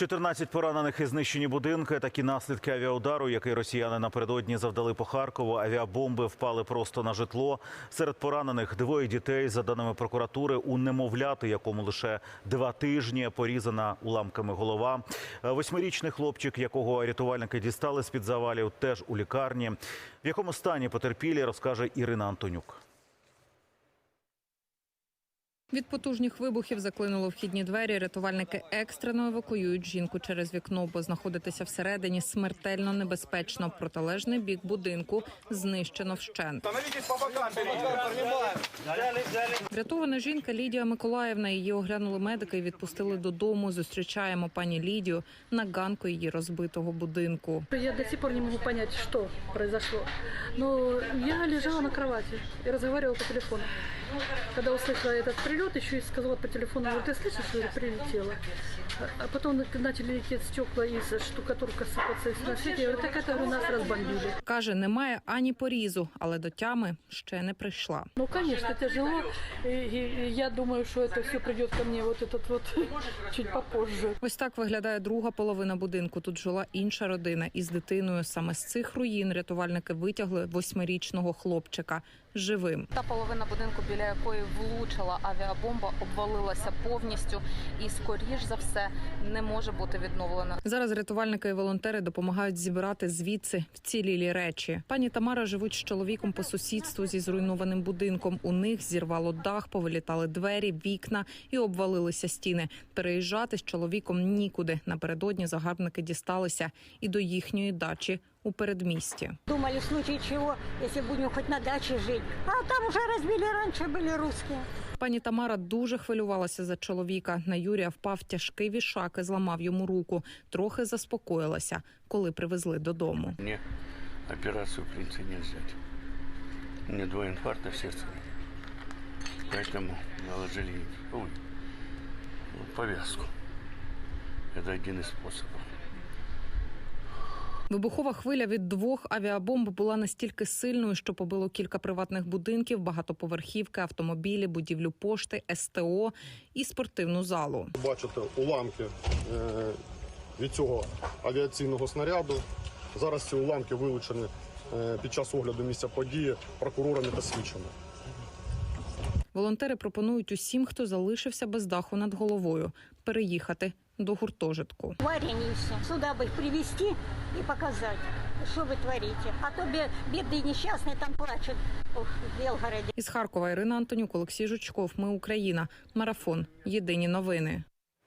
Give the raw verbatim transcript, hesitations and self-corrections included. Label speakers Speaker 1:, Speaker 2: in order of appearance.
Speaker 1: чотирнадцять поранених і знищені будинки. Такі наслідки авіаудару, який росіяни напередодні завдали по Харкову. Авіабомби впали просто на житло. Серед поранених двоє дітей. За даними прокуратури, у немовляти, якому лише два тижні, порізана уламками голова. Восьмирічний хлопчик, якого рятувальники дістали з-під завалів, теж у лікарні. В якому стані потерпілі, розкаже Ірина Антонюк.
Speaker 2: Від потужних вибухів заклинуло вхідні двері. Рятувальники екстрено евакуюють жінку через вікно, бо знаходитися всередині смертельно небезпечно. Протилежний бік будинку знищено вщент. Врятована жінка Лідія Миколаївна. Її оглянули медики і відпустили додому. Зустрічаємо пані Лідію на ганку її розбитого будинку.
Speaker 3: Я до сих пор не можу зрозуміти, що произошло. Но я лежала на кровати і розмовляла по телефону. Когда услышала этот прилет, еще и сказала по телефону: говорит, ты слышишь, что это прилетело? А потом начали лететь стекла и штукатурка сыпаться и на свете. Я говорю, так это нас разбомбили.
Speaker 2: Каже, немає ані порізу, але до тями ще не прийшла.
Speaker 3: Ну, конечно, тяжело. И, и, и я думаю, что это все придет ко мне вот этот вот чуть попозже.
Speaker 2: Ось так виглядає друга половина будинку. Тут жила інша родина із дитиною. Саме з цих руїн рятувальники витягли восьмирічного хлопчика живим.
Speaker 4: Та половина будинку, біля якої влучила авіабомба, обвалилася повністю і, скоріш за все, не може бути відновлена.
Speaker 2: Зараз рятувальники і волонтери допомагають зібрати звідси вцілілі речі. Пані Тамара живуть з чоловіком по сусідству зі зруйнованим будинком. У них зірвало дах, повилітали двері, вікна і обвалилися стіни. Переїжджати з чоловіком нікуди. Напередодні загарбники дісталися і до їхньої дачі у передмісті.
Speaker 5: Думали, в случае чего, если будем хоть на даче жить. А там уже разбили, раньше были русские.
Speaker 2: Пані Тамара дуже хвилювалася за чоловіка. На Юрія впав тяжкий вішак і зламав йому руку. Трохи заспокоїлася, коли привезли додому.
Speaker 6: Мне операцию, в принципе, не взять. У меня два инфаркта сердца. Поэтому наложили ой, повязку. Это один из способов.
Speaker 2: Вибухова хвиля від двох авіабомб була настільки сильною, що побило кілька приватних будинків, багатоповерхівки, автомобілі, будівлю пошти, ес те о і спортивну залу.
Speaker 7: Бачите уламки від цього авіаційного снаряду. Зараз ці уламки вилучені під час огляду місця події прокурорами та слідчими.
Speaker 2: Волонтери пропонують усім, хто залишився без даху над головою, переїхати до гуртожитку.
Speaker 5: Варенье все. Сюда бы их привезти и показать, что вы творите. А то бедные несчастные там плачут в Белгороде.
Speaker 2: Із Харкова Ірина Антонюк, Олексій Жучков. Ми Україна. Марафон. Єдині новини.